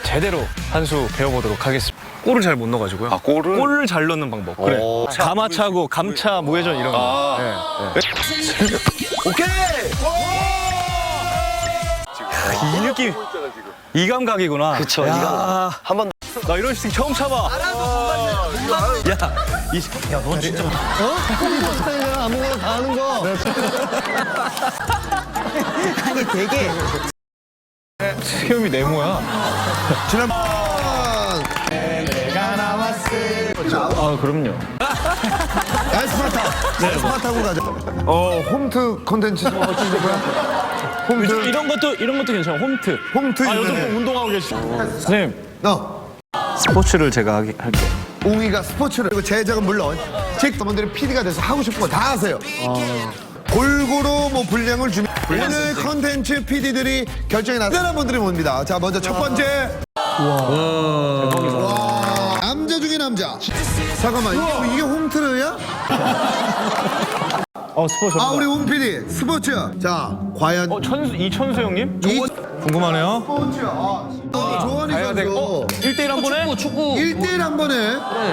제대로 한 수 배워보도록 하겠습니다. 골을 잘 못 넣어가지고요. 아, 골을 잘 넣는 방법. 그래. 가마차고 감차 무회전 이런 거. 네. 오케이. 이 느낌, 이 감각이구나. 그쵸, 이 감각. 한번 나 이런 슈팅 처음 참아. 야, 너 진짜. 아무거나 다 하는 거. 아니 되게 수염이 네모야. 지난번 아, 그럼요. 야 스파타. 네, 스파타고 가자. 홈트 컨텐츠 좀 할수 있는 거야? 홈트. 이런 것도 괜찮아. 홈트. 홈트 아, 요즘 이번에. 운동하고 계시죠. 선생님, 너 스포츠를 제가 할게요. 웅이가 스포츠를 그리고 제작은 물론 직원들이 PD가 돼서 하고 싶은 거 다 하세요. 골고루 뭐 분량을 주면 오늘 컨텐츠 PD들이 결정이 나타난 분들이 옵니다. 자 먼저 첫 번째. 와. 남자 중에 남자. 잠깐만 이게 홈트르야? 스포츠. 아 우리 웅 PD 스포츠. 자 과연 이천수 형님? 이 궁금하네요. 스포츠. 조원희 선수 1대1 한 번에? 축구. 1대1 한 번에.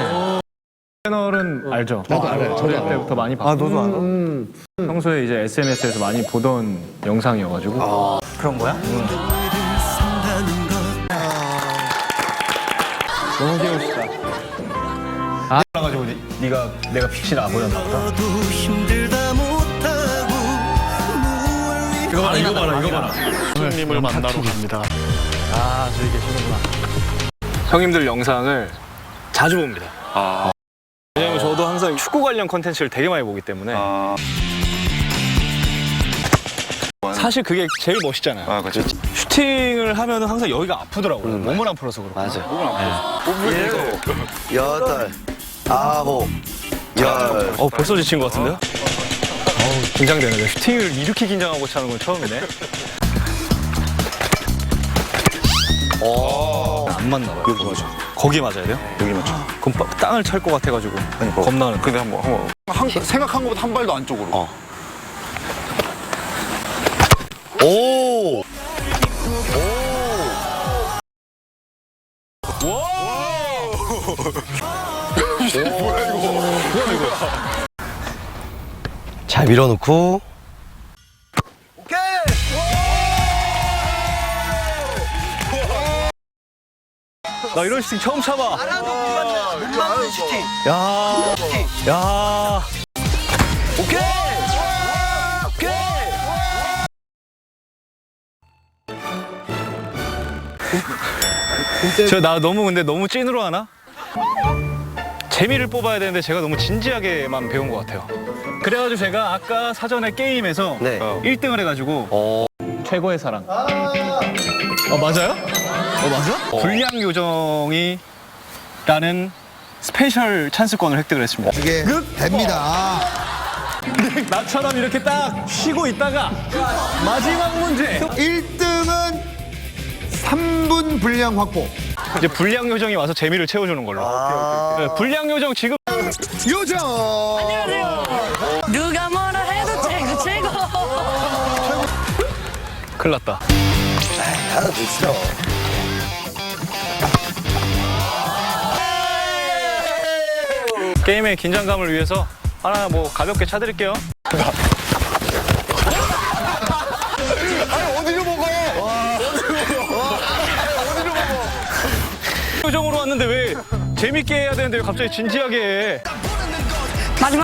채널은 알죠? 저도 알아요. 저도 때부터 많이 봤고. 너도 알아? 평소에 이제 SNS에서 많이 보던 영상이어가지고. 그런 거야? 너무 귀여우시다. 아, 그래가지고 내가 빛이 나 보였나 보다. 이거 봐라. 형님을 만나러 갑니다. 아, 저기 계시는구나. 형님들 영상을 자주 봅니다. 왜냐면 저도 항상 축구 관련 컨텐츠를 되게 많이 보기 때문에. 사실 그게 제일 멋있잖아요. 아, 그렇죠. 슈팅을 하면 항상 여기가 아프더라고요. 몸을 안 풀어서 그렇고. 맞아요. 몸을 안 풀어서. 여덟, 아홉, 열. 벌써 지친 것 같은데요? 긴장되는데. 슈팅을 이렇게 긴장하고 차는 건 처음이네. 안 맞나 봐요. 여기 맞아. 거기 맞아야 돼요? 여기 맞죠. 그럼 땅을 찰 것 같아가지고 겁나는. 근데 한번. 생각한 것보다 한 발도 안쪽으로. 오. 잘 밀어놓고. 나 이런 슈팅 처음 참아. 못 막는 슈팅. 야. 오케이. 나 너무 찐으로 하나? 재미를 뽑아야 되는데 제가 너무 진지하게만 배운 것 같아요. 그래가지고 제가 아까 사전에 게임에서 네. 1등을 해가지고 최고의 사랑. 맞아요? 맞아? 불량 요정이라는 스페셜 찬스권을 획득을 했습니다. 이게 됩니다. 나처럼 이렇게 딱 쉬고 있다가 마지막 문제. 1등은 3분 분량 확보. 이제 불량 요정이 와서 재미를 채워주는 걸로. 네, 불량 요정 지금 요정. 누가 뭐라 해도 최고. 큰일 났다. 하나 드시죠. 게임의 긴장감을 위해서 하나 뭐 가볍게 차드릴게요. 어디로 먹어? 요정으로 왔는데 왜 재밌게 해야 되는데 왜 갑자기 진지하게 해? 마지막.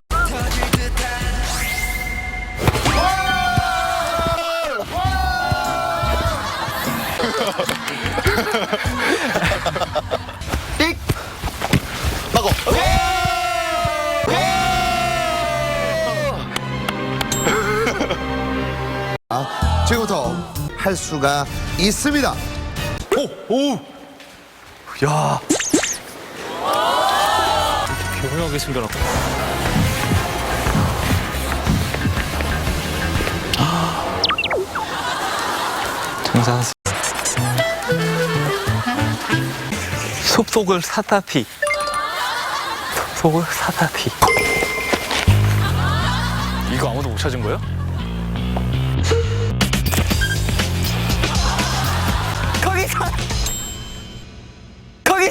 띡. 막어. 지금부터 할 수가 있습니다. 야. 교묘하게 숨겨놨고. 장산. 숲속을 사다피. 숲속을 사다피. 이거 아무도 못 찾은 거예요?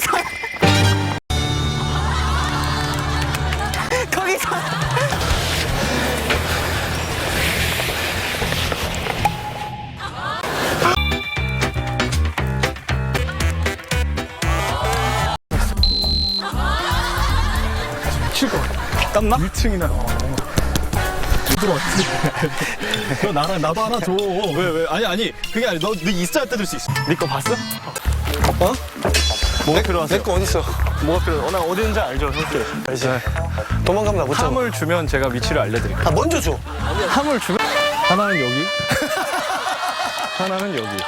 거기서. 거기서. 땀나? 1층이나. 너 나랑 나도 하나 줘. 왜? 아니 그게 아니 너 있어야 뜯을 수 있어. 네 거 봤어? 어? 뭐가 필요하세요? 내 거 어딨어? 뭐가 필요해? 나 어디 있는지 알죠, 선생님? 알지. 도망가면 나 못 잡아. 함을 주면 제가 위치를 알려드릴게요. 아, 먼저 줘. 함을 주면 하나는 여기, 하나는 여기.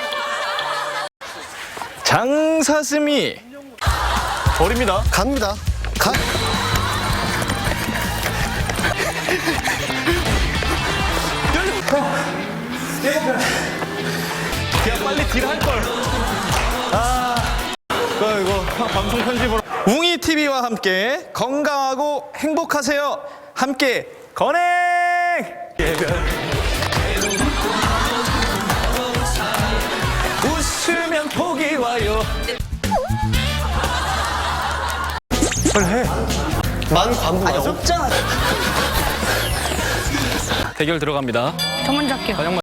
장사슴이 버립니다. 갑니다. 가. 그냥 빨리 딜할 걸. 이거 방송 편집으로. 웅이 TV와 함께 건강하고 행복하세요. 함께 건행. 웃으면 복이 와요. 만 관부 맞아? 대결 들어갑니다. 저 먼저 할게요. 관영